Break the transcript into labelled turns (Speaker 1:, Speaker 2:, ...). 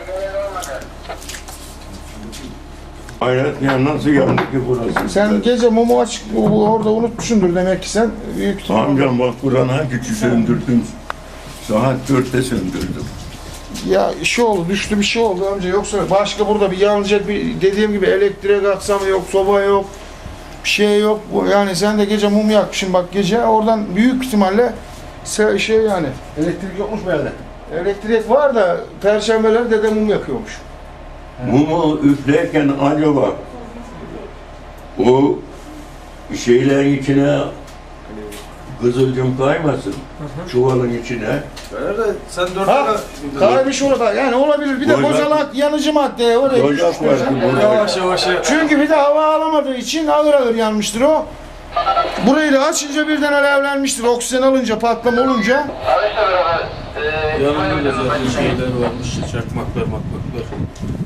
Speaker 1: Hayret ya, nasıl yandı ki burası?
Speaker 2: Sen gece mumu açık orada unutmuşsundur demek ki sen. Büyük ihtimalle.
Speaker 1: Amcam bak buranın hakiki söndürdüm. Saat 4'te söndürdüm.
Speaker 2: Ya işi oldu, düştü bir şey oldu amca. Yoksa başka burada bir yanacak bir dediğim gibi elektrik aksam yok, soba yok, bir şey yok. Yani sen de gece mum yakmışsın bak gece. Oradan büyük ihtimalle şey yani.
Speaker 3: Elektrik yokmuş bu yerde.
Speaker 2: Elektrik var da perşembeler dede mum yakıyormuş.
Speaker 1: Mumu üflerken acaba o şeylerin içine kızılcım kaymasın, çuvalın içine.
Speaker 3: Nerede? Sen 4
Speaker 2: Ha, kaymış orada. Yani olabilir. Bir de
Speaker 1: Bozak-
Speaker 2: bozalak yanıcı madde oraya
Speaker 1: Bozak
Speaker 2: düşmüştür.
Speaker 1: var, bozak.
Speaker 3: Yavaş yavaş.
Speaker 2: Çünkü bir de hava alamadığı için ağır ağır yanmıştır o. Burayı da açınca birden alevlenmiştir. Oksijen alınca, patlama olunca.
Speaker 4: Yanında da zaten şeyler varmış, çakmaklar, makmaklar.